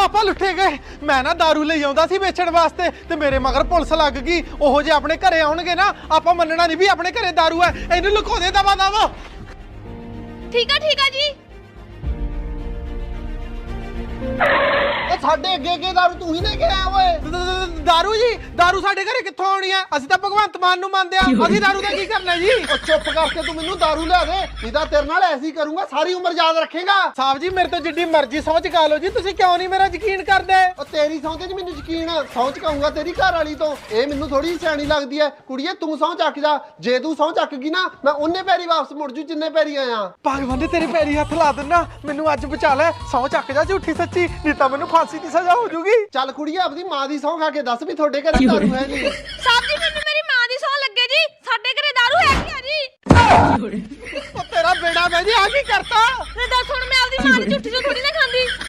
ਆਪਾਂ ਲੁੱਟੇ ਗਏ। ਮੈਂ ਨਾ दारू ਲਈ ਆਉਂਦਾ ਸੀ ਵੇਚਣ ਵਾਸਤੇ ਤੇ ਮੇਰੇ ਮਗਰ ਪੁਲਿਸ ਲੱਗ ਗਈ। ਉਹੋ ਜੇ ਆਪਣੇ ਘਰੇ ਆਉਣਗੇ ਨਾ ਆਪਾਂ ਮੰਨਣਾ ਨਹੀਂ ਵੀ ਆਪਣੇ ਘਰੇ दारू ਹੈ। ਇਹਨੂੰ ਲੁਕੋ ਦੇ ਦਵਾ ਦਵਾ। ਠੀਕ ਆ ਜੀ। ਸਾਡੇ ਅੱਗੇ दारू ਤੂੰ ਹੀ ਲੈ ਕੇ ਆਇਆ ਓਏ। दारू ਜੀ दारू ਸਾਡੇ ਘਰੇ ਕਿੱਥੋਂ ਆਉਣੀ ਆ? ਅਸੀਂ ਤਾਂ ਭਗਵੰਤ ਮਾਨ ਨੂੰ ਮੰਨਦੇ ਆ। ਅਸੀਂ दारू ਦਾ ਕੀ ਕਰਨਾ ਜੀ? ਉਹ ਚੁੱਪ ਕਰਕੇ ਤੂੰ ਮੈਨੂੰ दारू ਲਿਆ ਦੇ, ਨਹੀਂ ਤਾਂ ਤੇਰੇ ਨਾਲ ਐਸੀ ਕਰੂੰਗਾ ਸਾਰੀ ਉਮਰ ਯਾਦ ਰੱਖੇਗਾ। ਸਾਹਿਬ ਜੀ ਮੇਰੇ ਤੋਂ ਜਿੱਡੀ ਮਰਜ਼ੀ ਸਹੁੰ ਚੁਕਾ ਲਓ ਜੀ, ਤੁਸੀਂ ਕਿਉਂ ਨਹੀਂ ਮੇਰਾ ਯਕੀਨ ਕਰਦੇ? ਉਹ ਤੇਰੀ ਸਹੁੰ ਤੇ ਨੀ ਮੈਨੂੰ ਯਕੀਨ, ਸਹੁੰ ਚੁਕਾਊਂਗਾ ਤੇਰੀ ਘਰ ਵਾਲੀ ਤੋਂ। ਇਹ ਮੈਨੂੰ ਥੋੜੀ ਸਿਆਣੀ ਲੱਗਦੀ ਐ। ਕੁੜੀਏ ਤੂੰ ਸਹੁੰ ਚੱਕ ਜਾ, ਜੇ ਤੂੰ ਸਹੁੰ ਚੱਕ ਗਈ ਨਾ ਮੈਂ ਉਹਨੇ ਪੈਰੀ ਵਾਪਸ ਮੁੜ ਜੂ ਜਿੰਨੇ ਪੈਰੀ ਆਇਆ। ਭਗਵਾਨ ਦੇ ਤੇਰੇ ਪੈਰੀ ਹੱਥ ਲਾ ਦਿੰਨਾ, ਮੈਨੂੰ ਅੱਜ ਬਚਾ ਲੈ। ਸਹੁੰ ਚੱਕ ਜਾ ਝੂਠੀ ਸੱਚੀ, ਨਹੀਂ ਤਾਂ ਮੈਨੂੰ ਫਾਂਸੀ ਦੀ ਸਜ਼ਾ ਹੋ ਜੂਗੀ। ਚੱਲ ਕੁੜੀਏ ਆਪਣੀ ਮਾਂ ਦੀ ਸਹੁੰ ਖਾ ਕੇ ਦੱਸ ਵੀ ਤੁਹਾਡੇ ਘਰੇ दारू ਹੈ ਨਹੀਂ। ਸਾਹਿਬ ਜੀ ਮੈਨੂੰ ਮੇਰੀ ਮਾਂ ਦੀ ਸੌਂ ਲੱਗੇ ਜੀ, ਸਾਡੇ ਘਰੇ ਦਾਰੂ ਹੈਗੀ ਆ ਜੀ। ਉਹ ਤੇਰਾ ਬੇੜਾ ਮੈਂ ਜੀ ਆ ਕੀ ਕਰਤਾ? ਤੇ ਦੱਸ ਹੁਣ ਮੈਂ ਆਪਦੀ ਮਾਂ ਦੀ ਝੁੱਠੀ ਤੋਂ ਥੋੜੀ ਨਾ ਖਾਂਦੀ।